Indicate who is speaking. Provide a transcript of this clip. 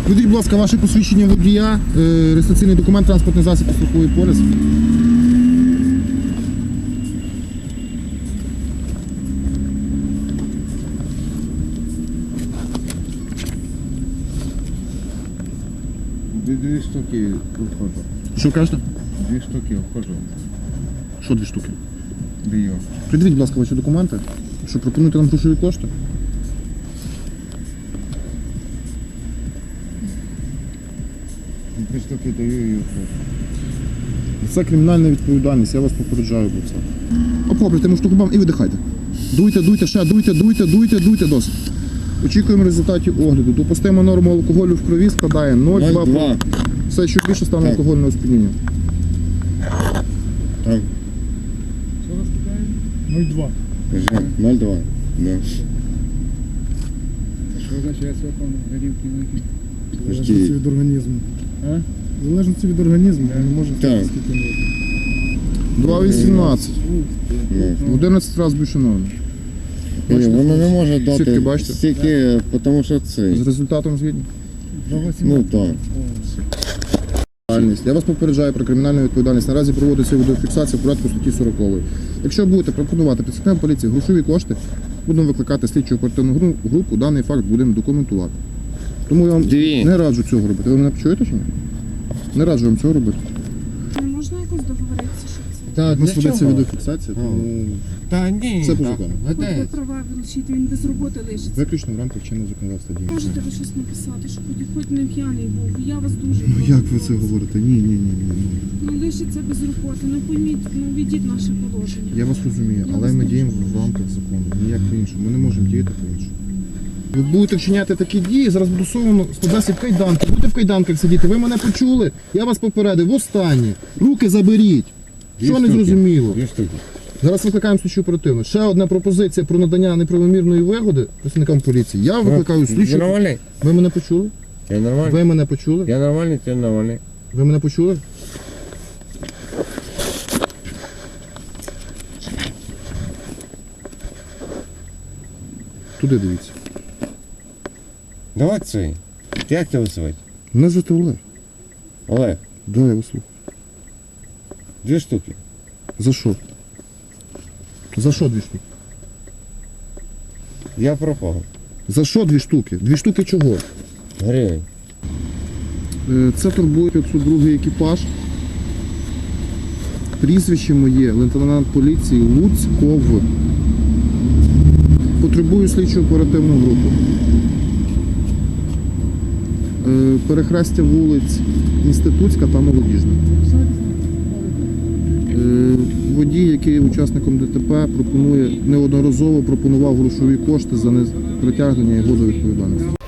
Speaker 1: Видіть, будь ласка, ваше посвідчення водія, реєстраційний документ, транспортний засіб і страховий поліс.
Speaker 2: Дві штуки входжу.
Speaker 1: Що кажете?
Speaker 2: 2 штуки входжу.
Speaker 1: Що 2 штуки?
Speaker 2: Бію.
Speaker 1: Придивіть, будь ласка, ваші документи, що пропонуєте нам грошові кошти.
Speaker 2: Дві штуки даю і входжу.
Speaker 1: Це кримінальна відповідальність, я вас попереджаю про це. Оплавлюйте муштуку бам і видихайте. Дуйте, ще дуйте, досить. Очікуємо результатів огляду. Допустима норма алкоголю в крові складає 0,2. Все, що більше стане алкогольного сп'яніння.
Speaker 2: Так.
Speaker 3: Що вас питає? 0,2.
Speaker 2: Кажи, 0,2. Да.
Speaker 3: Що означає свапан горівки вихід?
Speaker 2: Подожди.
Speaker 4: Залежності від організму.
Speaker 3: А?
Speaker 4: В залежності від організму, ви не можете
Speaker 2: Так.
Speaker 4: скільки можете.
Speaker 1: 2,18.
Speaker 2: Ну.
Speaker 1: В 11 разів більше норми.
Speaker 2: Ні, воно не може
Speaker 1: Сітки
Speaker 2: дати
Speaker 1: бачите?
Speaker 2: стільки, тому що це.
Speaker 1: З результатом згідні?
Speaker 3: 2,18.
Speaker 2: Ну так.
Speaker 1: Я вас попереджаю про кримінальну відповідальність. Наразі проводиться відеофіксація в порядку статті 40. Якщо будете пропонувати працівникам поліції грошові кошти, будемо викликати слідчу оперативну групу, даний факт будемо документувати. Тому я вам не раджу цього робити. Ви мене почуєте чи ні? Не раджу вам цього робити.
Speaker 5: Не можна якось договоритися, що це?
Speaker 2: Та,
Speaker 1: У нас ведеться відеофіксація, тому
Speaker 2: Та ні.
Speaker 1: Це по закону.
Speaker 5: Буде права вилучити, він без роботи лишиться.
Speaker 1: виключно в рамках чинного законодавства діє.
Speaker 5: Можете ви щось написати, що хоч не п'яний був. Я вас дуже
Speaker 1: Ну
Speaker 5: прошу.
Speaker 1: як ви це говорите? Ні.
Speaker 5: Ну лишиться без роботи. Ну пойміть, ну відіть наше положення.
Speaker 1: Я вас розумію, але ми діємо в рамках закону. Ніяк по-іншому. Ми не можемо діяти по-іншому. Ви будете вчиняти такі дії, зараз буде суворо складатися в кайданки. Будете в кайданках сидіти. Ви мене почули? Я вас попередив. Востаннє. Руки заберіть. Що не зрозуміло?
Speaker 2: 2 штуки.
Speaker 1: Зараз викликаємо слідчу оперативну. Ще одна пропозиція про надання неправомірної вигоди працівникам поліції. Я викликаю
Speaker 2: Ти
Speaker 1: слідчу.
Speaker 2: нормальний?
Speaker 1: Ви мене почули?
Speaker 2: Я нормальний?
Speaker 1: Ви мене почули?
Speaker 2: Я нормальний, ти нормальний.
Speaker 1: Ви мене почули? Туди дивіться.
Speaker 2: Давай цей. Як тебе звати?
Speaker 1: Мене звати Олег.
Speaker 2: Олег,
Speaker 1: Да, я вас слухаю.
Speaker 2: 2 штуки.
Speaker 1: За що? За що 2 штуки?
Speaker 2: Я пропав.
Speaker 1: За що 2 штуки? 2 штуки чого?
Speaker 2: Гривень.
Speaker 1: Це турбує 502 екіпаж. Прізвище моє лейтенант поліції Луцьков. Потребую слідчу оперативну групу. Перехрестя вулиць Інститутська та Молодіжна. Водій, який є учасником ДТП, неодноразово пропонував грошові кошти за непритягнення його до відповідальності.